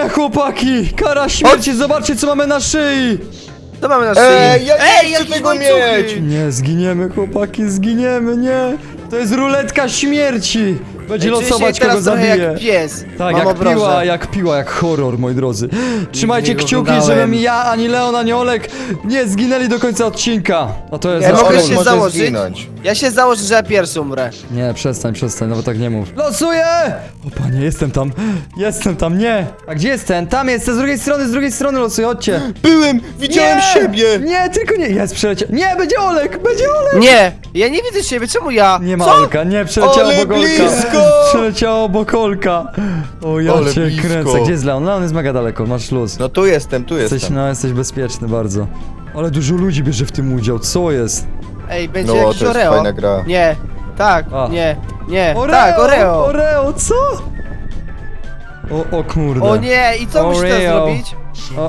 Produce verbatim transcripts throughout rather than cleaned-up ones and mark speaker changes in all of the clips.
Speaker 1: Nie, chłopaki! Kara śmierci, zobaczcie co mamy na szyi!
Speaker 2: To mamy na szyi.
Speaker 3: Ej, ja nie
Speaker 2: Ej,
Speaker 3: chcę
Speaker 2: jakieś
Speaker 3: tego
Speaker 2: łańcuchy.
Speaker 3: mieć!
Speaker 1: Nie, zginiemy, chłopaki, zginiemy, nie! To jest ruletka śmierci! Będzie
Speaker 2: Ej, czuję się
Speaker 1: losować,
Speaker 2: teraz
Speaker 1: kogo
Speaker 2: trochę
Speaker 1: zabije.
Speaker 2: jak pies.
Speaker 1: Tak,
Speaker 2: Mam
Speaker 1: jak
Speaker 2: obroże.
Speaker 1: piła, jak piła, jak horror, moi drodzy. Trzymajcie
Speaker 2: nie
Speaker 1: kciuki,
Speaker 2: oglądałem.
Speaker 1: żebym ja, ani Leon, ani Olek nie zginęli do końca odcinka. A to jest
Speaker 2: Ja
Speaker 1: nasz
Speaker 2: mogę
Speaker 1: cel.
Speaker 2: się
Speaker 3: może
Speaker 2: założyć?
Speaker 3: zginąć.
Speaker 2: Ja się założę, że ja pierwszy umrę.
Speaker 1: Nie, przestań, przestań, nawet tak nie mów. Losuję! O panie, jestem tam, jestem tam, nie! A gdzie jest ten? Tam jest, z drugiej strony, z drugiej strony losuję, chodźcie.
Speaker 3: Byłem! Widziałem
Speaker 1: Nie!
Speaker 3: siebie!
Speaker 1: Nie, tylko nie, jest, przeleciał. Nie, będzie Olek, będzie Olek!
Speaker 2: Nie, ja nie widzę siebie, czemu ja?
Speaker 1: Nie ma
Speaker 2: Co?
Speaker 1: Olka, nie, przeleciało
Speaker 3: Ale
Speaker 1: obok Olka.
Speaker 3: blisko!
Speaker 1: Przeleciało obok Olka. O, ja
Speaker 3: Ale
Speaker 1: cię
Speaker 3: blisko.
Speaker 1: kręcę. Gdzie jest Leon? Leon jest mega daleko, masz luz.
Speaker 3: No tu jestem, tu
Speaker 1: Jesteś,
Speaker 3: jestem.
Speaker 1: no, jesteś bezpieczny bardzo. Ale dużo ludzi bierze w tym udział, co jest?
Speaker 2: Ej, będzie
Speaker 3: No,
Speaker 2: jakiś
Speaker 3: to jest
Speaker 2: Oreo.
Speaker 3: fajna gra.
Speaker 2: Nie, tak,
Speaker 1: A.
Speaker 2: nie, nie, tak, Oreo.
Speaker 1: Oreo, co? O, o kurde.
Speaker 2: O nie, i co muszę teraz
Speaker 1: Oreo.
Speaker 2: zrobić?
Speaker 1: O,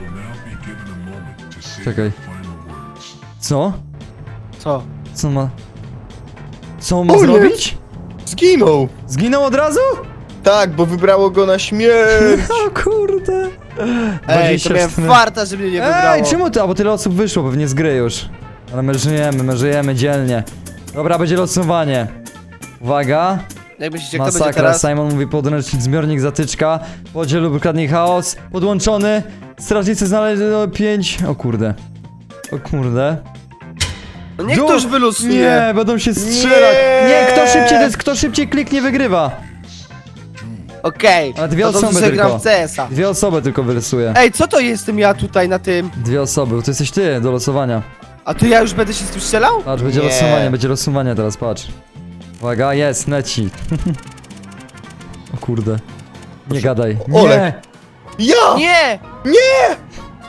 Speaker 1: czekaj. Co?
Speaker 2: Co?
Speaker 1: Co on ma? Co on ma
Speaker 3: O nie.
Speaker 1: zrobić?
Speaker 3: Zginął!
Speaker 1: Zginął od razu?
Speaker 3: Tak, bo wybrało go na śmierć!
Speaker 1: O kurde.
Speaker 2: Ej, to miałem
Speaker 1: cztery.
Speaker 2: farta, żeby mnie nie wybrało.
Speaker 1: Ej, czemu ty? A bo tyle osób wyszło pewnie z gry już. Ale my żyjemy, my żyjemy dzielnie. Dobra, będzie losowanie. Uwaga.
Speaker 2: Jak myślicie, kto będzie
Speaker 1: Masakra,
Speaker 2: teraz?
Speaker 1: Simon mówi podręcznik, zbiornik, zatyczka. Podziel lub ukradnij chaos. Podłączony. Strażnicy znaleźli pięć. O kurde. O kurde.
Speaker 2: No niech
Speaker 1: Du-
Speaker 2: ktoś wylosuje.
Speaker 1: Nie, będą się strzelać. Nie,
Speaker 3: Nie.
Speaker 1: kto szybciej, to jest kto szybciej kliknie, wygrywa.
Speaker 2: Okej,
Speaker 1: Ale dwie
Speaker 2: to dobrze,
Speaker 1: osoby
Speaker 2: że gram
Speaker 1: tylko.
Speaker 2: w C S a.
Speaker 1: Dwie osoby tylko wylosuje.
Speaker 2: Ej, co to jestem ja tutaj na tym?
Speaker 1: Dwie osoby, to jesteś ty do losowania.
Speaker 2: A to ja już będę się z tym strzelał?
Speaker 1: Patrz, będzie
Speaker 3: Nie.
Speaker 1: losowanie, będzie losowanie teraz, patrz. Uwaga, jest, leci. O kurde. Nie gadaj. Nie!
Speaker 3: Olek. Ja!
Speaker 2: Nie!
Speaker 3: Nie!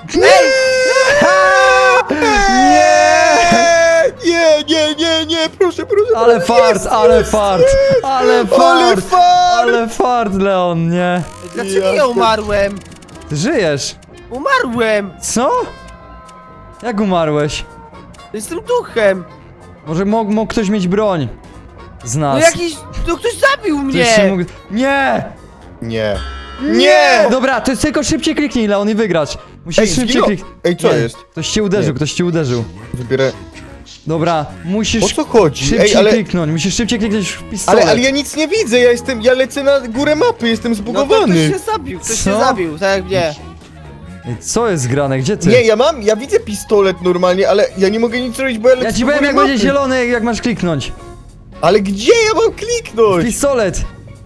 Speaker 3: Nie, nie, nie, nie, proszę, proszę.
Speaker 1: Ale fart, ale fart, ale
Speaker 3: Ale
Speaker 1: fart,
Speaker 3: fart!
Speaker 1: ale fart, Leon, nie.
Speaker 2: Dlaczego
Speaker 3: Ja
Speaker 2: ja
Speaker 3: to-
Speaker 2: umarłem?
Speaker 1: Ty żyjesz.
Speaker 2: Umarłem!
Speaker 1: Co? Jak umarłeś?
Speaker 2: Jestem duchem!
Speaker 1: Może mógł, mógł ktoś mieć broń z
Speaker 2: No
Speaker 1: nas.
Speaker 2: jakiś... No ktoś zabił
Speaker 1: Ktoś się
Speaker 2: mnie!
Speaker 1: mógł... Nie!
Speaker 3: Nie.
Speaker 1: Nie! Dobra, to jest tylko szybciej kliknij, Leon, i wygrać. Musisz
Speaker 3: Ej,
Speaker 1: szybciej
Speaker 3: zginął.
Speaker 1: kliknąć.
Speaker 3: Ej, co
Speaker 1: Nie,
Speaker 3: jest?
Speaker 1: Ktoś cię uderzył,
Speaker 3: Nie.
Speaker 1: ktoś cię uderzył.
Speaker 3: Wybierę.
Speaker 1: Dobra,
Speaker 3: O
Speaker 1: musisz
Speaker 3: co chodzi?
Speaker 1: szybciej
Speaker 3: Ej, ale,
Speaker 1: kliknąć, musisz szybciej kliknąć w pistolet.
Speaker 3: ale, ale ja nic nie widzę, ja jestem, ja lecę na górę mapy, jestem
Speaker 2: No to ktoś
Speaker 3: zbugowany.
Speaker 2: się zabił, ktoś
Speaker 1: Co?
Speaker 2: się zabił, tak jak mnie.
Speaker 1: Ej, co jest grane, gdzie ty?
Speaker 3: Nie, ja mam, ja widzę pistolet normalnie, ale ja nie mogę nic zrobić, bo ja lecę
Speaker 1: Ja ci
Speaker 3: do
Speaker 1: powiem
Speaker 3: góry
Speaker 1: jak
Speaker 3: mapy.
Speaker 1: będzie zielony, jak masz kliknąć.
Speaker 3: Ale gdzie ja mam kliknąć?
Speaker 1: Pistolet!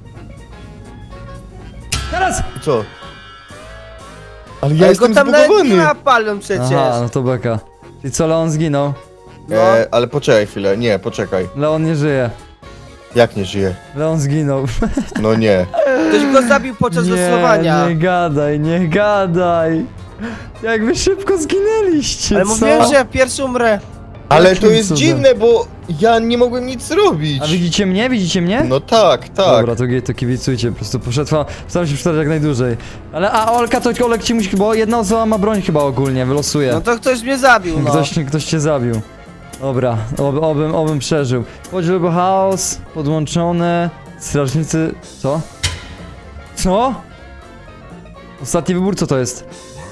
Speaker 1: Teraz!
Speaker 3: Co? Ale ja
Speaker 2: Ale
Speaker 3: jestem
Speaker 2: go tam nawet nie
Speaker 3: zbugowany.
Speaker 2: ma palą przecież.
Speaker 1: Aha, no to beka. I co, Leon zginął?
Speaker 2: No.
Speaker 3: E, ale poczekaj chwilę, nie, poczekaj.
Speaker 1: Leon nie żyje.
Speaker 3: Jak nie żyje?
Speaker 1: Leon zginął.
Speaker 3: No nie.
Speaker 2: Ktoś go zabił podczas
Speaker 1: nie,
Speaker 2: losowania.
Speaker 1: nie gadaj, nie gadaj. Jak wy szybko zginęliście,
Speaker 2: Ale
Speaker 1: co?
Speaker 2: mówiłem, że ja pierwszy umrę.
Speaker 3: Ale
Speaker 1: Jakim
Speaker 3: to jest
Speaker 1: cudem?
Speaker 3: dziwne, bo ja nie mogłem nic zrobić.
Speaker 1: A widzicie mnie? Widzicie mnie?
Speaker 3: No tak, tak.
Speaker 1: Dobra, to, to kibicujcie, po prostu poszedł, staram się przeczytać jak najdłużej. Ale, a Olka, to Olek ci musi, bo jedna osoba ma broń chyba ogólnie, wylosuje.
Speaker 2: No to ktoś mnie zabił, no.
Speaker 1: Ktoś, ktoś cię zabił. Dobra, ob, obym, obym przeżył. Podziel lub chaos, podłączone, strażnicy... Co? Co? Ostatni wybór, co to jest?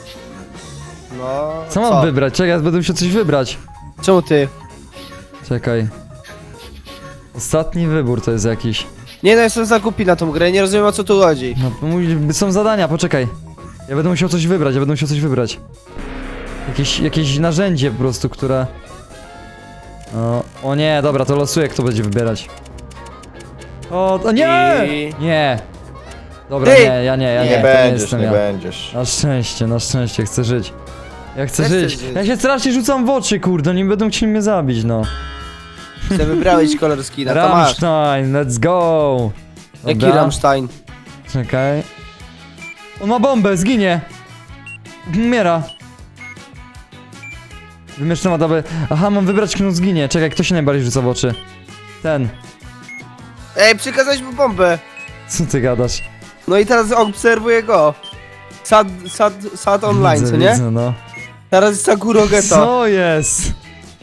Speaker 2: No,
Speaker 1: Co mam wybrać? Czekaj, ja będę musiał coś wybrać.
Speaker 2: Czemu ty?
Speaker 1: Czekaj. Ostatni wybór to jest jakiś.
Speaker 2: Nie no, jestem za głupi na tą grę, nie rozumiem o co tu chodzi.
Speaker 1: No, mój- są zadania, poczekaj. Ja będę musiał coś wybrać, ja będę musiał coś wybrać. Jakieś, jakieś narzędzie po prostu, które... O, o nie, dobra, to losuję, kto będzie wybierać. O, o nie!
Speaker 2: I-
Speaker 1: Nie! Dobra,
Speaker 2: Ty!
Speaker 1: nie, ja nie, ja
Speaker 3: Nie,
Speaker 1: nie, to nie
Speaker 3: będziesz,
Speaker 1: jestem
Speaker 3: nie
Speaker 1: ja.
Speaker 3: będziesz.
Speaker 1: Na szczęście, na szczęście, chcę żyć. Ja chcę
Speaker 2: Ja chcę
Speaker 1: żyć.
Speaker 2: żyć.
Speaker 1: Ja się strasznie rzucam w oczy, kurde, nie będą chcieli mnie zabić, no.
Speaker 2: Ty wybrałeś kolor skina, to masz.
Speaker 1: Rammstein, let's go!
Speaker 2: Jaki
Speaker 1: Dobra,
Speaker 2: Rammstein?
Speaker 1: czekaj. On ma bombę, zginie! Umiera. Wymieszczona tabę. Aha, mam wybrać, kto zginie. Czekaj, kto się najbardziej rzuca w oczy? Ten.
Speaker 2: Ej, przekazałeś mu bombę.
Speaker 1: Co ty gadasz?
Speaker 2: No i teraz obserwuję go. Sad, sad, sad online,
Speaker 1: Widzę,
Speaker 2: co nie?
Speaker 1: Widzę, no.
Speaker 2: Teraz jest Sakuro Ghetto.
Speaker 1: Co jest?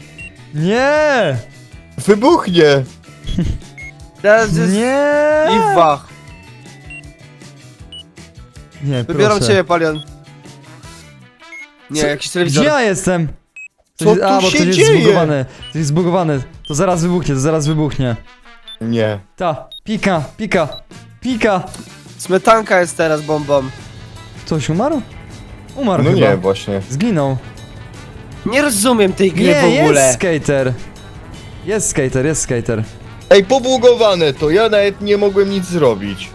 Speaker 1: Nie!
Speaker 3: Wybuchnie!
Speaker 2: Teraz jest
Speaker 1: Nie!
Speaker 2: Iwach.
Speaker 1: Nie,
Speaker 2: Wybieram
Speaker 1: proszę.
Speaker 2: ciebie, Palion. Nie,
Speaker 1: Co?
Speaker 2: jakiś telewizor.
Speaker 1: Gdzie ja jestem?
Speaker 3: Co
Speaker 1: Coś- A,
Speaker 3: tu
Speaker 1: bo
Speaker 3: się
Speaker 1: to jest
Speaker 3: dzieje?
Speaker 1: zbugowane. To jest zbugowane. To zaraz wybuchnie, to zaraz wybuchnie.
Speaker 3: Nie.
Speaker 1: Ta, pika, pika, pika.
Speaker 2: Smetanka jest teraz bombą.
Speaker 1: Ktoś umarł? Umarł
Speaker 3: No
Speaker 1: chyba.
Speaker 3: nie, właśnie.
Speaker 1: Zginął.
Speaker 2: Nie rozumiem tej gry
Speaker 1: Nie,
Speaker 2: w ogóle.
Speaker 1: jest skater. Jest skater, jest skater.
Speaker 3: Ej, pobugowane to, ja nawet nie mogłem nic zrobić.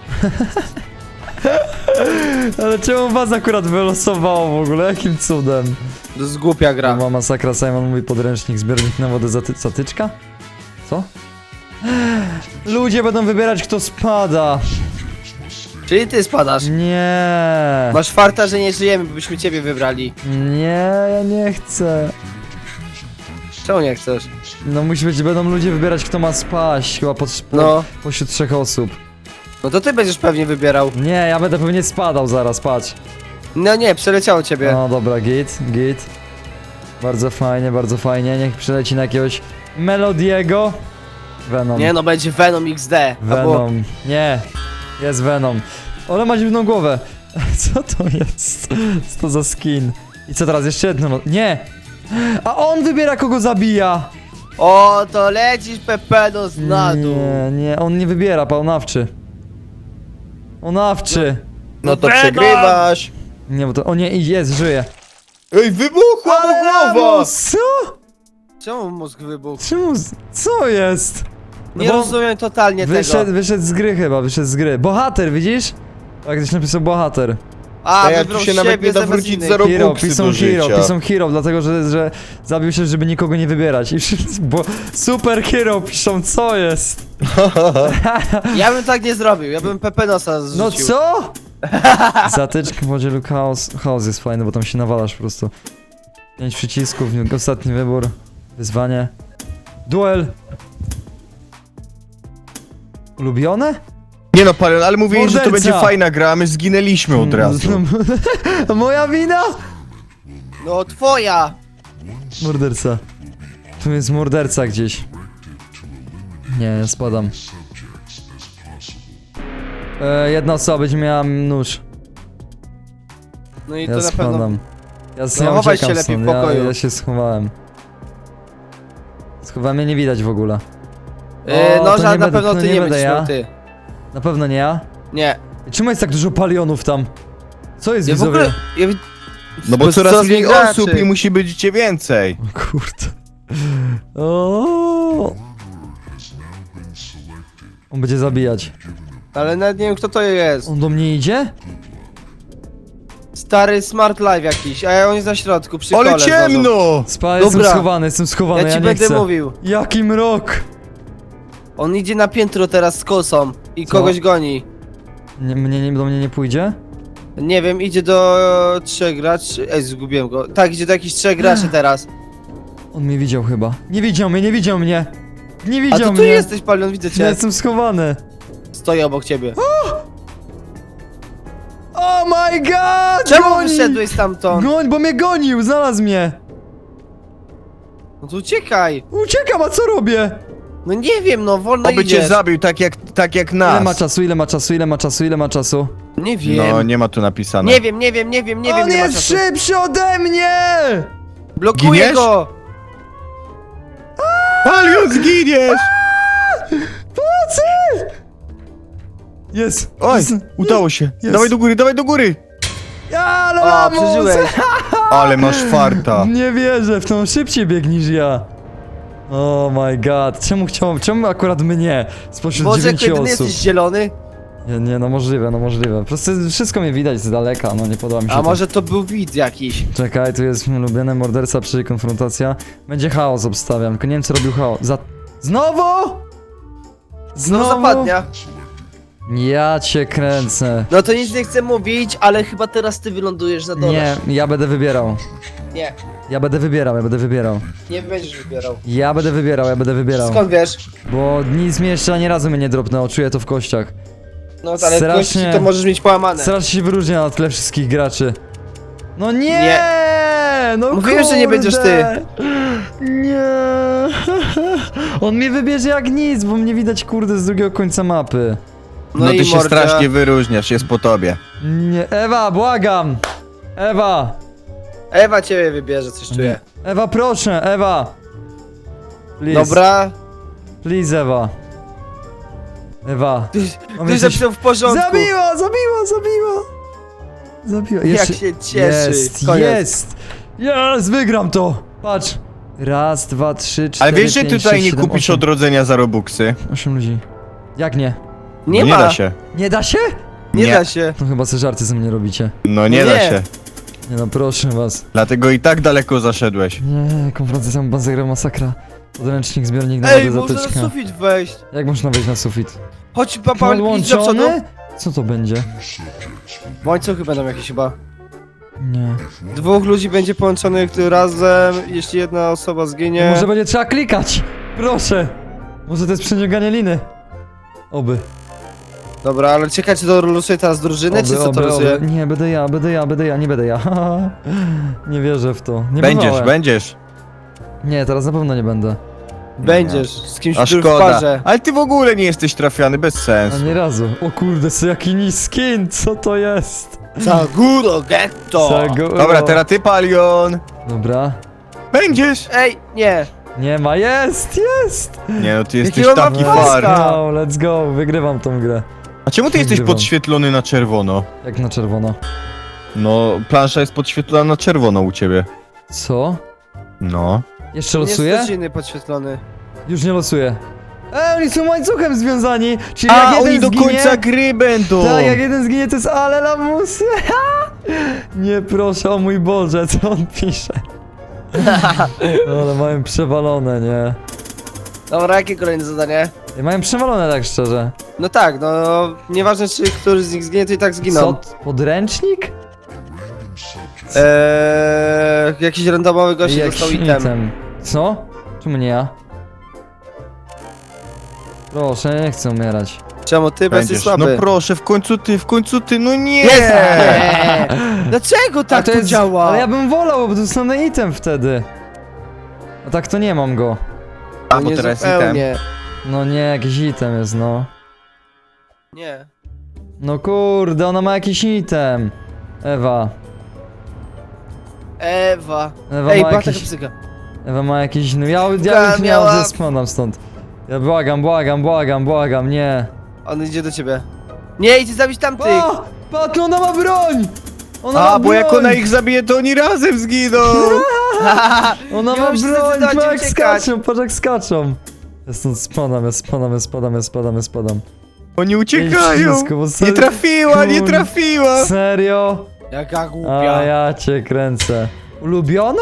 Speaker 1: Ale czemu was akurat wylosowało w ogóle? Jakim cudem?
Speaker 2: To jest głupia gra.
Speaker 1: Była masakra, Simon mówi podręcznik, zbiornik na wodę zaty zatyczka? Co? Ludzie będą wybierać, kto spada.
Speaker 2: Czyli ty spadasz.
Speaker 1: Nie.
Speaker 2: Masz farta, że nie żyjemy, bo byśmy ciebie wybrali.
Speaker 1: Nie, ja nie chcę.
Speaker 2: Czemu nie chcesz?
Speaker 1: No musi być, będą ludzie wybierać, kto ma spaść, chyba po, po,
Speaker 2: No.
Speaker 1: pośród trzech osób.
Speaker 2: No to ty będziesz pewnie wybierał.
Speaker 1: Nie, ja będę pewnie spadał zaraz, patrz.
Speaker 2: No nie, przeleciało ciebie.
Speaker 1: No dobra, git, git. Bardzo fajnie, bardzo fajnie, niech przyleci na jakiegoś Melodiego. Venom.
Speaker 2: Nie no, będzie Venom X D. Albo...
Speaker 1: Venom. Nie, jest Venom. Ale ma dziwną głowę. Co to jest? Co to za skin? I co teraz? Jeszcze jedno. no- Nie! A on wybiera, kogo zabija!
Speaker 2: O, to lecisz Pepenos na dół.
Speaker 1: Nie, nie, on nie wybiera, paunawczy. Onawczy.
Speaker 3: No to
Speaker 2: Venom!
Speaker 3: przegrywasz.
Speaker 1: Nie, bo to. O nie, i jest, żyje.
Speaker 3: Ej, wybuchła mu głowa!
Speaker 1: no, co?
Speaker 2: Czemu mózg wybuchł?
Speaker 1: Czemu? z- Co jest?
Speaker 2: Nie
Speaker 1: bo
Speaker 2: rozumiem totalnie
Speaker 1: Wyszedł,
Speaker 2: tego.
Speaker 1: wyszedł z gry chyba, wyszedł z gry. Bohater, widzisz? Tak, ktoś napisał bohater.
Speaker 2: A,
Speaker 3: A ja tu
Speaker 2: wybrał
Speaker 3: się nawet
Speaker 2: siebie
Speaker 3: nie da
Speaker 2: zamiast
Speaker 3: wrócić
Speaker 2: innych.
Speaker 3: za
Speaker 1: Hero,
Speaker 3: robuxy
Speaker 1: pisą
Speaker 3: do
Speaker 1: hero,
Speaker 3: życia.
Speaker 1: pisą hero, dlatego że, że zabił się, żeby nikogo nie wybierać. I wszyscy, bo super hero piszą, co jest?
Speaker 2: Ja bym tak nie zrobił, ja bym Pepenosa zrzucił.
Speaker 1: No co? Zatyczka w podzielu chaos. Chaos jest fajny, bo tam się nawalasz po prostu. Pięć przycisków, ostatni wybór. Wyzwanie. Duel. Ulubione?
Speaker 3: Nie no, Palion, ale mówili, że to
Speaker 1: Morderca!
Speaker 3: będzie fajna gra, a my zginęliśmy od razu.
Speaker 1: Moja wina?
Speaker 2: No twoja!
Speaker 1: Morderca. Tu jest morderca gdzieś. Nie, ja spadam. E, jedna osoba będzie miała nóż.
Speaker 2: No i
Speaker 1: Ja
Speaker 2: to na pewno...
Speaker 1: spadam. Ja,
Speaker 2: No,
Speaker 1: ja
Speaker 2: chowaj
Speaker 1: uciekam
Speaker 2: się lepiej w
Speaker 1: stąd. Ja,
Speaker 2: pokoju.
Speaker 1: ja się schowałem. Schowałem, mnie nie widać w ogóle.
Speaker 2: Yy,
Speaker 1: O,
Speaker 2: no,
Speaker 1: to
Speaker 2: że
Speaker 1: nie
Speaker 2: na
Speaker 1: będę-
Speaker 2: pewno
Speaker 1: to
Speaker 2: ty
Speaker 1: nie
Speaker 2: nie
Speaker 1: będę
Speaker 2: będziesz
Speaker 1: ja.
Speaker 2: miał ty.
Speaker 1: Na pewno nie ja.
Speaker 2: Nie.
Speaker 1: Czemu jest tak dużo palionów tam? Co jest,
Speaker 2: Ja w
Speaker 1: widzowie?
Speaker 2: ogóle... Ja...
Speaker 3: No bo
Speaker 2: jest
Speaker 3: coraz mniej
Speaker 2: graczy.
Speaker 3: osób i musi być cię więcej.
Speaker 1: O kurde. O. On będzie zabijać.
Speaker 2: Ale nawet nie wiem kto to jest.
Speaker 1: On do mnie idzie?
Speaker 2: Stary Smart Live jakiś, a on jest na środku, przy
Speaker 3: Ale
Speaker 2: kole znowu.
Speaker 3: ciemno!
Speaker 1: Spa, jestem
Speaker 2: Dobra.
Speaker 1: schowany, jestem schowany,
Speaker 2: Ja
Speaker 1: ja,
Speaker 2: ci
Speaker 1: nie
Speaker 2: będę
Speaker 1: chcę.
Speaker 2: mówił.
Speaker 1: Jaki mrok!
Speaker 2: On idzie na piętro teraz z kosą i
Speaker 1: Co?
Speaker 2: kogoś goni.
Speaker 1: Nie, mnie, nie, do mnie nie pójdzie?
Speaker 2: Nie wiem, idzie do trzech graczy. Ej, zgubiłem go. Tak, idzie do jakichś trzech graczy teraz.
Speaker 1: On mnie widział chyba. Nie widział mnie, nie widział mnie! Nie
Speaker 2: A
Speaker 1: widział
Speaker 2: to tu
Speaker 1: mnie!
Speaker 2: jesteś, Palion, widzę
Speaker 1: Ja
Speaker 2: cię.
Speaker 1: jestem schowany.
Speaker 2: Stoję obok ciebie.
Speaker 1: Oh my god!
Speaker 2: Czemu
Speaker 1: goni!
Speaker 2: wyszedłeś stamtąd?
Speaker 1: Goń, bo mnie gonił, znalazł mnie!
Speaker 2: No to uciekaj.
Speaker 1: Uciekam, a co robię?
Speaker 2: No nie wiem, no wolno
Speaker 3: Oby cię
Speaker 2: idziesz.
Speaker 3: zabił tak jak, tak jak
Speaker 1: Ile ma
Speaker 3: nas.
Speaker 1: czasu, ile ma czasu, ile ma czasu, ile ma czasu?
Speaker 2: Nie wiem.
Speaker 3: No, nie ma tu napisane.
Speaker 2: Nie wiem, nie wiem, nie wiem, nie wiem.
Speaker 1: On
Speaker 2: ile ma
Speaker 1: jest
Speaker 2: czasu.
Speaker 1: szybszy ode mnie!
Speaker 2: Blokuję
Speaker 3: Giniesz?
Speaker 2: go!
Speaker 3: Palion, zginiesz!
Speaker 1: Pomocy! Jest!
Speaker 3: Oj,
Speaker 1: jest,
Speaker 3: udało się.
Speaker 1: jest.
Speaker 3: Dawaj do góry, dawaj do góry!
Speaker 1: Ale
Speaker 2: O,
Speaker 1: lamus!
Speaker 2: przeżyłeś.
Speaker 3: Ale masz farta.
Speaker 1: Nie wierzę, w tą szybciej bieg niż ja. Oh my god, czemu chciałem, czemu akurat mnie? Spośród
Speaker 2: Boże,
Speaker 1: dziewięciu
Speaker 2: kiedy
Speaker 1: osób.
Speaker 2: jesteś zielony?
Speaker 1: Nie, nie, no możliwe, no możliwe. Po prostu wszystko mnie widać z daleka, no nie podoba mi się
Speaker 2: A
Speaker 1: to.
Speaker 2: może to był widz jakiś?
Speaker 1: Czekaj, tu jest mój ulubiony morderca, przy konfrontacja. Będzie chaos, obstawiam, tylko nie wiem co robił chaos. Za... Znowu?
Speaker 2: No zapadnia.
Speaker 1: Ja cię kręcę.
Speaker 2: No to nic nie chcę mówić, ale chyba teraz ty wylądujesz za dole.
Speaker 1: Nie, ja będę wybierał.
Speaker 2: Nie,
Speaker 1: Ja będę wybierał, ja będę wybierał.
Speaker 2: nie będziesz wybierał.
Speaker 1: Ja będę wybierał, ja będę wybierał.
Speaker 2: Skąd wiesz?
Speaker 1: Bo nic mnie jeszcze ani razu mnie nie dropnęło, czuję to w kościach.
Speaker 2: No ale
Speaker 1: Strasznie.
Speaker 2: kości to możesz mieć połamane.
Speaker 1: Strasznie się wyróżnia na tle wszystkich graczy. No nie!
Speaker 2: Nie.
Speaker 1: No
Speaker 2: Mówiłem, że nie będziesz ty.
Speaker 1: Nie. On mnie wybierze jak nic, bo mnie widać kurde z drugiego końca mapy.
Speaker 3: No, ty
Speaker 2: i
Speaker 3: się
Speaker 2: mordzia.
Speaker 3: strasznie wyróżniasz, jest po tobie.
Speaker 1: Nie, Ewa, błagam! Ewa!
Speaker 2: Ewa ciebie wybierze, coś czuję.
Speaker 1: Ewa, proszę, Ewa! Please,
Speaker 2: Dobra.
Speaker 1: please, Ewa. Ewa.
Speaker 2: Ty,
Speaker 1: Mam
Speaker 2: ty
Speaker 1: jesteś-
Speaker 2: zapisał w porządku.
Speaker 1: Zabiła, zabiła, zabiła! Zabiła.
Speaker 2: Jak
Speaker 1: Jeszcze...
Speaker 2: się cieszy.
Speaker 1: Jest,
Speaker 2: Koniec.
Speaker 1: jest! Jest, wygram to! Patrz! Raz, dwa, trzy, cztery,
Speaker 3: Ale wiesz, że
Speaker 1: pięć,
Speaker 3: tutaj
Speaker 1: sześć,
Speaker 3: nie
Speaker 1: siedem,
Speaker 3: kupisz
Speaker 1: osiem.
Speaker 3: odrodzenia za robuxy?
Speaker 1: Osiem ludzi. Jak nie?
Speaker 2: Nie
Speaker 3: No
Speaker 2: ma.
Speaker 3: nie da się.
Speaker 1: Nie da się?
Speaker 2: Nie,
Speaker 3: Nie.
Speaker 2: da się.
Speaker 1: No chyba sobie żarty ze mnie robicie.
Speaker 3: No nie
Speaker 2: Nie.
Speaker 3: da się.
Speaker 1: Nie no, proszę was.
Speaker 3: Dlatego i tak daleko zaszedłeś.
Speaker 1: Nie, konfrontacja Banzegra masakra. Podręcznik, zbiornik na
Speaker 2: Ej,
Speaker 1: wodę,
Speaker 2: można na
Speaker 1: zatyczka.
Speaker 2: sufit wejść.
Speaker 1: Jak można wejść na sufit?
Speaker 2: Chodź, papa, idź do przodu.
Speaker 1: Podłączony? Co to będzie?
Speaker 2: Łańcuchy będą jakieś chyba.
Speaker 1: Nie.
Speaker 2: Dwóch ludzi będzie połączonych razem, jeśli jedna osoba zginie.
Speaker 1: Może będzie trzeba klikać! Proszę! Może to jest przeciąganie liny? Oby.
Speaker 2: Dobra, ale czekaj, czy to losuje teraz drużynę,
Speaker 1: Oby,
Speaker 2: czy co to
Speaker 1: oby,
Speaker 2: losuje?
Speaker 1: oby. Nie, będę ja, będę ja, będę ja, nie będę ja. Nie wierzę w to. Nie
Speaker 3: Będziesz,
Speaker 1: bywałem.
Speaker 3: będziesz.
Speaker 1: Nie, teraz na pewno nie będę.
Speaker 2: Będziesz, z kimś
Speaker 3: A
Speaker 2: który w
Speaker 3: szkoda.
Speaker 2: parze.
Speaker 3: Ale ty w ogóle nie jesteś trafiany, bez sensu.
Speaker 1: Ani razu. O kurde, co jaki niskin, co to jest?
Speaker 2: Saguro Getto!
Speaker 1: Sago-
Speaker 3: Dobra, teraz ty, Palion.
Speaker 1: Dobra.
Speaker 3: Będziesz.
Speaker 2: Ej, nie!
Speaker 1: Nie ma, jest, jest!
Speaker 3: Nie no, ty jesteś
Speaker 2: Jakiego
Speaker 3: taki
Speaker 2: mam
Speaker 1: Let's
Speaker 3: far.
Speaker 2: paska?
Speaker 1: go, let's go, wygrywam tą grę.
Speaker 3: A czemu ty jesteś
Speaker 1: Wygrywam.
Speaker 3: podświetlony na czerwono?
Speaker 1: Jak na czerwono.
Speaker 3: No, plansza jest podświetlona na czerwono u ciebie.
Speaker 1: Co?
Speaker 3: No.
Speaker 1: Jeszcze
Speaker 2: Jest
Speaker 1: losuję?
Speaker 2: też inny podświetlony.
Speaker 1: Już nie losuję. E, oni są łańcuchem związani, czyli
Speaker 3: A,
Speaker 1: jak jeden
Speaker 3: oni do
Speaker 1: zginie...
Speaker 3: końca gry będą!
Speaker 1: Tak, jak jeden zginie, to jest ale lamusy. Nie proszę, o mój Boże, co on pisze. Ale mają przewalone, nie?
Speaker 2: Dobra, jakie kolejne zadanie?
Speaker 1: Mają przewalone, tak szczerze.
Speaker 2: No tak, no nieważne czy któryś z nich zginie, to i tak
Speaker 1: Co?
Speaker 2: zginą.
Speaker 1: Podręcznik?
Speaker 2: Eee, jakiś randomowy gość
Speaker 1: Jakiś
Speaker 2: dostał item.
Speaker 1: Co? Czemu nie ja? Proszę, nie chcę umierać.
Speaker 2: Czemu ty bez
Speaker 3: Będziesz.
Speaker 2: słaby?
Speaker 3: No proszę, w końcu ty, w końcu ty, no nie!
Speaker 2: Jest! Nie! Dlaczego tak
Speaker 1: A
Speaker 2: to,
Speaker 1: jest,
Speaker 2: działa?
Speaker 1: Ale ja bym wolał, bo dostanę item wtedy. A tak to nie mam go.
Speaker 3: A,
Speaker 2: No
Speaker 3: bo
Speaker 2: nie
Speaker 3: teraz item.
Speaker 2: zupełnie.
Speaker 1: No nie, jakiś item jest, no.
Speaker 2: Nie.
Speaker 1: No kurde, ona ma jakiś item. Ewa.
Speaker 2: Ewa.
Speaker 1: Ewa
Speaker 2: Ej,
Speaker 1: ma
Speaker 2: była taka
Speaker 1: jakiś...
Speaker 2: psyka.
Speaker 1: Ewa ma jakiś... No ja, ja
Speaker 2: Taka
Speaker 1: już
Speaker 2: miała-
Speaker 1: miałem, spadam stąd. Ja błagam, błagam, błagam, błagam, nie.
Speaker 2: On idzie do ciebie. Nie, idź zabić tamtych!
Speaker 1: O! Patrz, ona ma broń! Ona ma
Speaker 3: A, bo jak
Speaker 1: broń!
Speaker 3: ona ich zabije, to oni razem zginą!
Speaker 1: Ona
Speaker 2: Nie
Speaker 1: ma
Speaker 2: muszę
Speaker 1: broń,
Speaker 2: zdecydować,
Speaker 1: patrz jak
Speaker 2: uciekać.
Speaker 1: skaczą, patrz jak skaczą. Ja stąd spadam, ja spadam, ja spadam, ja spadam, ja spadam.
Speaker 3: Oni uciekają!
Speaker 1: Wszystko, bo
Speaker 3: Nie
Speaker 1: serio-
Speaker 3: trafiła, nie
Speaker 1: Kur-
Speaker 3: trafiła!
Speaker 1: Serio?
Speaker 2: Jaka
Speaker 1: A
Speaker 2: głupia.
Speaker 1: ja cię kręcę. Ulubione?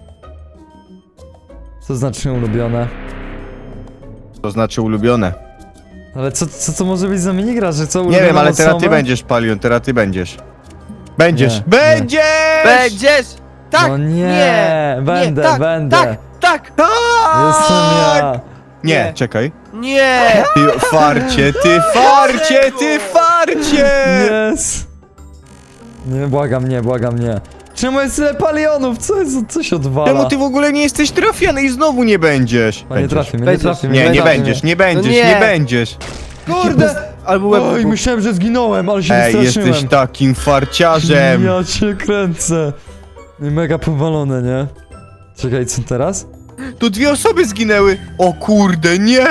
Speaker 1: Co znaczy ulubione?
Speaker 3: To znaczy ulubione.
Speaker 1: Ale co, co to może być za minigra, że co
Speaker 3: Nie
Speaker 1: ulubione
Speaker 3: wiem, ale teraz ty
Speaker 1: osoby?
Speaker 3: będziesz, Palion, teraz ty będziesz. Będziesz!
Speaker 1: Nie,
Speaker 3: Będziesz!
Speaker 2: Będziesz! Tak!
Speaker 1: No nie,
Speaker 2: nie,
Speaker 1: będę,
Speaker 2: nie, tak,
Speaker 1: będę.
Speaker 2: Tak, tak!
Speaker 1: Jestem ja.
Speaker 3: Nie,
Speaker 2: Nie.
Speaker 3: czekaj.
Speaker 2: Nie!
Speaker 3: Ty farcie, ty farcie, ty farcie!
Speaker 1: Yes. Nie, błagam, nie, błagam, nie. Czemu jest tyle palionów? Co jest, co się odwala?
Speaker 3: Czemu ty w ogóle nie jesteś trafiany i znowu nie będziesz?
Speaker 1: A nie
Speaker 3: Będziesz.
Speaker 1: trafi mnie, nie
Speaker 2: Będziesz.
Speaker 1: trafi mnie.
Speaker 3: Nie, nie
Speaker 1: trafi
Speaker 3: będziesz,
Speaker 1: mnie.
Speaker 3: nie będziesz,
Speaker 2: nie.
Speaker 3: nie będziesz.
Speaker 2: Kurde! Albo łeb
Speaker 1: Oj,
Speaker 2: wybuchł.
Speaker 1: myślałem, że zginąłem, ale się
Speaker 3: Ej,
Speaker 1: wystraszyłem.
Speaker 3: jesteś takim farciarzem.
Speaker 1: Ja cię kręcę. I mega powalone, nie? Czekaj, co teraz?
Speaker 3: Tu dwie osoby zginęły. O kurde, nie!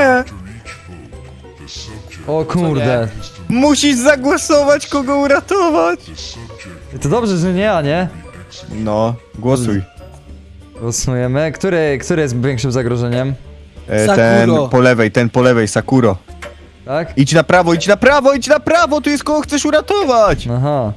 Speaker 1: O kurde.
Speaker 3: Musisz zagłosować, kogo uratować.
Speaker 1: I to dobrze, że nie ja, nie?
Speaker 3: No, głosuj.
Speaker 1: Głosujemy. Który, który jest większym zagrożeniem?
Speaker 3: E,
Speaker 2: Sakuro.
Speaker 3: ten po lewej, ten po lewej, Sakuro.
Speaker 1: Tak?
Speaker 3: Idź na prawo, idź na prawo, idź na prawo, tu jest kogo chcesz uratować.
Speaker 1: Aha.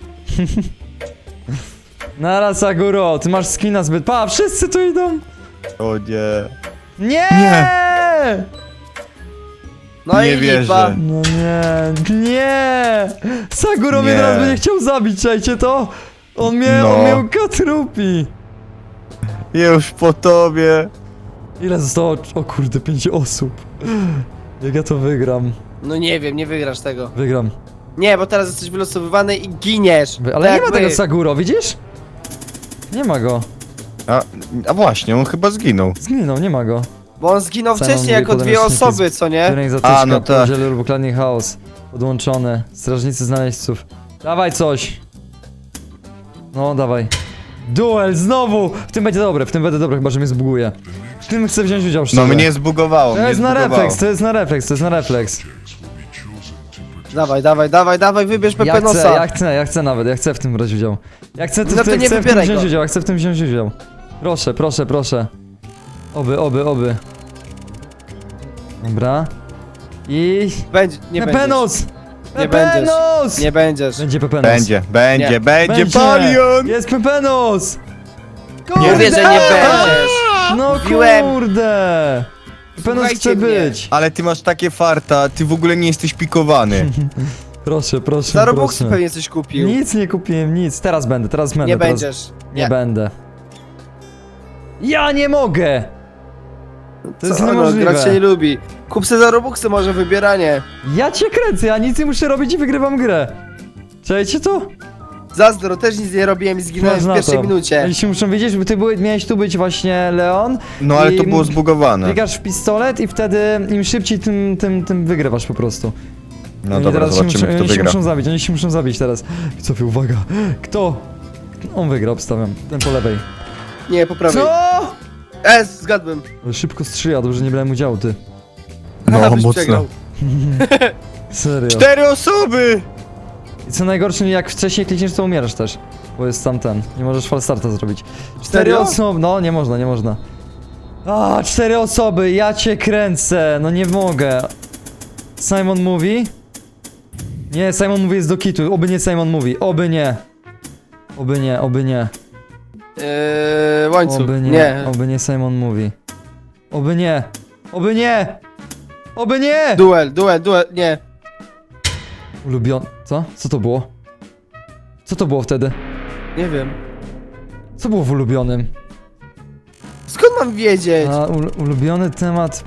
Speaker 1: Nara Saguro, ty masz skina zbyt... Pa, wszyscy tu idą!
Speaker 3: O nie.
Speaker 1: Nie!
Speaker 3: Nie.
Speaker 2: No
Speaker 3: Nie
Speaker 2: i
Speaker 3: wierzę.
Speaker 2: lipa.
Speaker 1: No nie, nie! Saguro mnie
Speaker 3: Nie.
Speaker 1: teraz będzie chciał zabić, czajcie to? On mnie,
Speaker 3: No.
Speaker 1: on mnie katrupi!
Speaker 3: Już po tobie.
Speaker 1: Ile zostało? O kurde, pięć osób. Jak ja to wygram?
Speaker 2: No nie wiem, nie wygrasz tego.
Speaker 1: Wygram.
Speaker 2: Nie, bo teraz jesteś wylosowywany i giniesz.
Speaker 1: Wy- Ale
Speaker 2: Tak
Speaker 1: nie ma
Speaker 2: jak
Speaker 1: tego
Speaker 2: my.
Speaker 1: Saguro, widzisz? Nie ma go.
Speaker 3: A, a właśnie, on chyba zginął.
Speaker 1: Zginął, nie ma go.
Speaker 2: Bo on zginął
Speaker 1: Całą
Speaker 2: wcześniej jako
Speaker 1: dwie
Speaker 2: dwie
Speaker 1: podręczniki
Speaker 2: osoby, co nie?
Speaker 1: Kierunek zatyczka,
Speaker 3: A, no tak.
Speaker 1: podzielny lub ukradnie chaos. Podłączone. Strażnicy znaleźców. Dawaj coś. No, dawaj. Duel, znowu! W tym będzie dobre, w tym będzie dobre, chyba że mnie zbuguje. W tym chcę wziąć udział szczerze.
Speaker 3: No mnie zbugowało,
Speaker 1: To
Speaker 3: mnie
Speaker 1: jest na
Speaker 3: zbugowało.
Speaker 1: refleks, to jest na refleks, to jest na refleks.
Speaker 2: Dawaj, dawaj, dawaj, dawaj, wybierz
Speaker 1: Ja chcę,
Speaker 2: Pepenosa.
Speaker 1: ja chcę, ja chcę nawet, ja chcę w tym brać udział. Ja chcę,
Speaker 2: No to
Speaker 1: chcę,
Speaker 2: nie
Speaker 1: chcę w tym
Speaker 2: wybieraj
Speaker 1: wziąć
Speaker 2: go.
Speaker 1: udział, ja chcę w tym wziąć udział. Proszę, proszę, proszę. Oby, oby, oby. Dobra. I...
Speaker 2: Będzie, nie będziesz.
Speaker 1: Pepenos!
Speaker 2: Nie
Speaker 1: Pepenos!
Speaker 2: Nie będziesz.
Speaker 1: Będzie Pepenos.
Speaker 3: Będzie, będzie,
Speaker 2: Nie.
Speaker 3: będzie Palion!
Speaker 1: Jest Pepenos!
Speaker 2: Nie mówię, że nie będziesz.
Speaker 1: No
Speaker 2: Mówiłem.
Speaker 1: kurde! Pepenos
Speaker 2: Słuchajcie
Speaker 1: chce
Speaker 2: mnie.
Speaker 1: być.
Speaker 3: Ale ty masz takie farta, ty w ogóle nie jesteś pikowany.
Speaker 1: Proszę, proszę,
Speaker 2: Za Robuxy
Speaker 1: proszę.
Speaker 2: pewnie coś kupił.
Speaker 1: Nic nie kupiłem, nic. Teraz będę, teraz będę.
Speaker 2: Nie
Speaker 1: teraz...
Speaker 2: będziesz.
Speaker 1: Nie będę. Ja nie mogę! To jest
Speaker 2: Co, no,
Speaker 1: niemożliwe.
Speaker 2: grać się nie lubi. Kup se za Robuxy może wybieranie.
Speaker 1: Ja cię kręcę, ja nic nie muszę robić i wygrywam grę. Czajcie to?
Speaker 2: Zazdro, też nic nie robiłem i zginąłem
Speaker 1: Patrz
Speaker 2: w
Speaker 1: na
Speaker 2: pierwszej
Speaker 1: to.
Speaker 2: minucie.
Speaker 1: Oni się muszą wiedzieć, bo ty były, miałeś tu być właśnie Leon.
Speaker 3: No ale to
Speaker 1: I
Speaker 3: było zbugowane.
Speaker 1: Klikasz w pistolet i wtedy im szybciej, tym, tym, tym wygrywasz po prostu.
Speaker 3: No
Speaker 1: Oni
Speaker 3: dobra,
Speaker 1: teraz się
Speaker 3: zobaczymy
Speaker 1: muszą,
Speaker 3: kto
Speaker 1: oni się
Speaker 3: wygra.
Speaker 1: muszą zabić, oni się muszą zabić teraz. Cofie, uwaga. Kto? On wygra, obstawiam. Ten po lewej.
Speaker 2: Nie, po prawej.
Speaker 1: Co?
Speaker 2: E, zgadłem.
Speaker 1: Ale szybko strzela, dobrze nie brałem udziału, ty.
Speaker 3: No
Speaker 2: Aha, byś
Speaker 3: mocno.
Speaker 2: przegrał.
Speaker 1: Serio.
Speaker 3: Cztery osoby!
Speaker 1: I co najgorsze, jak wcześniej klikniesz, to umierasz też. Bo jest tam ten. Nie możesz falstarta zrobić. Cztery
Speaker 2: Serio?
Speaker 1: osoby. No, nie można, nie można. A, cztery osoby, ja cię kręcę. No nie mogę. Simon mówi? Nie, Simon mówi jest do kitu. Oby nie Simon mówi. Oby nie. Oby nie, oby nie.
Speaker 2: Eee, łańcuch.
Speaker 1: Oby nie.
Speaker 2: Nie.
Speaker 1: Oby nie Simon mówi. Oby nie. Oby nie. Oby nie.
Speaker 2: Duel, duel, duel, nie.
Speaker 1: Ulubiony. Co? Co to było? Co to było wtedy?
Speaker 2: Nie wiem.
Speaker 1: Co było w ulubionym?
Speaker 2: Skąd mam wiedzieć?
Speaker 1: A, ul ulubiony temat.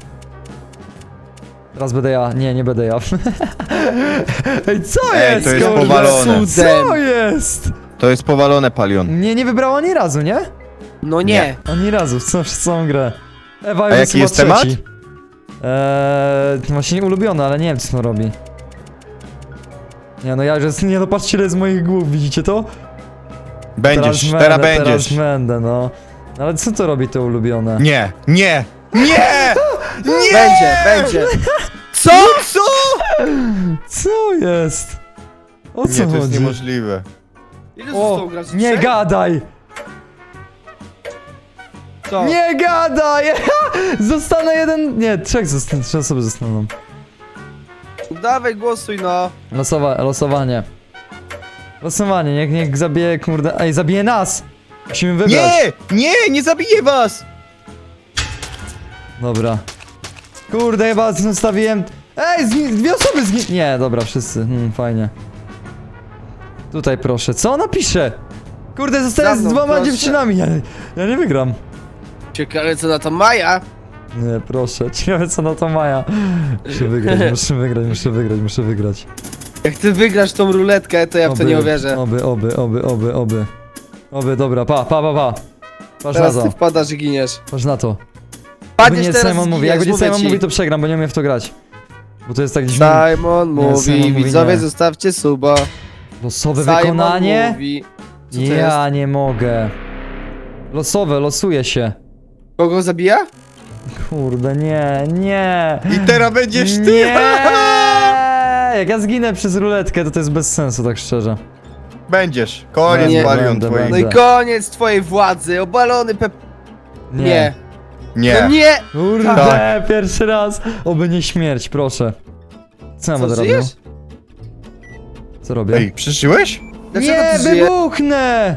Speaker 1: Teraz będę ja. Nie, nie będę ja. Ej, co
Speaker 3: Ej,
Speaker 1: jest?
Speaker 3: to jest
Speaker 1: kurde?
Speaker 3: powalone.
Speaker 1: Co jest?
Speaker 3: To jest powalone, Palion.
Speaker 1: Nie, nie wybrała ani razu, nie?
Speaker 2: No nie.
Speaker 1: Ani razu, w całą, w całą grę. Ewa
Speaker 3: A jaki jest temat?
Speaker 1: Eee, właśnie ulubiony, ale nie wiem co on robi. Nie no, ja już, nie no, patrzcie ile jest moich głów, widzicie to?
Speaker 3: Będziesz,
Speaker 1: teraz,
Speaker 3: teraz
Speaker 1: będę,
Speaker 3: będziesz.
Speaker 1: Teraz będę, no. Ale co to robi to ulubione?
Speaker 3: Nie, nie, nie! Nie!
Speaker 2: Będzie, będzie.
Speaker 3: Co? Co?
Speaker 1: Co jest? O co
Speaker 3: Nie, to jest
Speaker 1: chodzi?
Speaker 3: niemożliwe.
Speaker 2: Ile
Speaker 1: O,
Speaker 2: zostało graczy?
Speaker 1: nie
Speaker 2: Trzech?
Speaker 1: gadaj!
Speaker 2: Co?
Speaker 1: Nie gadaj! Zostanę jeden... Nie, trzech zostanę, trzy osoby zostaną.
Speaker 2: Dawaj, głosuj no.
Speaker 1: Losowa losowanie. Losowanie, niech, niech zabije, kurde... Ej, zabije nas! Musimy wybrać.
Speaker 3: Nie! Nie! Nie zabiję was!
Speaker 1: Dobra. Kurde, chyba zostawiłem... Ej, zgi- dwie osoby zgi... Nie, dobra, wszyscy. Hmm, fajnie. Tutaj proszę. Co ona pisze? Kurde, zostałem
Speaker 2: Za
Speaker 1: z
Speaker 2: mną,
Speaker 1: dwoma
Speaker 2: proszę.
Speaker 1: dziewczynami. Ja, ja nie wygram.
Speaker 2: Ciekawe co na to Maja.
Speaker 1: Nie, proszę. Ciekawe co na to Maja. Muszę wygrać, muszę wygrać, muszę wygrać, muszę wygrać.
Speaker 2: Jak ty wygrasz tą ruletkę, to ja w to nie uwierzę.
Speaker 1: Oby, oby, oby, oby, oby. Oby, dobra, pa, pa, pa, pa. Patrz
Speaker 2: Teraz
Speaker 1: na
Speaker 2: ty
Speaker 1: to,
Speaker 2: wpadasz i giniesz.
Speaker 1: patrz na to. Jakby
Speaker 2: Padniesz
Speaker 1: nie
Speaker 2: teraz
Speaker 1: Simon
Speaker 2: i
Speaker 1: mówi,
Speaker 2: giniesz,
Speaker 1: jak będzie
Speaker 2: mówię
Speaker 1: Simon
Speaker 2: ci.
Speaker 1: mówi, to przegram, bo nie umiem w to grać. Bo to jest tak dziwne.
Speaker 2: Simon
Speaker 1: Nie,
Speaker 2: mówi,
Speaker 1: Simon mówi
Speaker 2: widzowie
Speaker 1: nie.
Speaker 2: zostawcie suba.
Speaker 1: Losowe
Speaker 2: Simon
Speaker 1: wykonanie?
Speaker 2: mówi. Co to
Speaker 1: Ja
Speaker 2: jest?
Speaker 1: nie mogę. Losowe, losuje się.
Speaker 2: Kogo zabija?
Speaker 1: Kurde, nie, nie.
Speaker 3: I teraz będziesz ty!
Speaker 1: Nie! Jak ja zginę przez ruletkę, to to jest bez sensu, tak szczerze.
Speaker 3: Będziesz. Koniec,
Speaker 2: Nie.
Speaker 3: Palion
Speaker 1: Będę,
Speaker 3: twój.
Speaker 2: No i
Speaker 1: Będę.
Speaker 2: koniec twojej władzy, obalony pep... Nie.
Speaker 3: Nie.
Speaker 2: No nie!
Speaker 1: Kurde,
Speaker 3: Tak.
Speaker 1: pierwszy raz. Oby nie śmierć, proszę. Co ja
Speaker 2: Co,
Speaker 1: będę robił?
Speaker 2: żyjesz?
Speaker 1: Co robię?
Speaker 3: Ej, przeżyłeś?
Speaker 2: Dlaczego
Speaker 1: Nie,
Speaker 2: ty żyjesz?
Speaker 1: wybuchnę!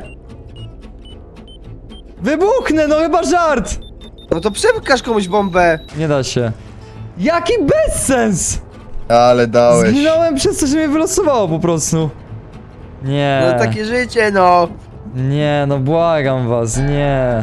Speaker 1: Wybuchnę, no chyba żart!
Speaker 2: No to przepkasz komuś bombę.
Speaker 1: Nie da się. Jaki bezsens!
Speaker 3: Ale dałeś.
Speaker 1: Zginąłem przez to, że mnie wylosowało po prostu. Nie.
Speaker 2: No takie życie, no.
Speaker 1: Nie, no błagam was, nie.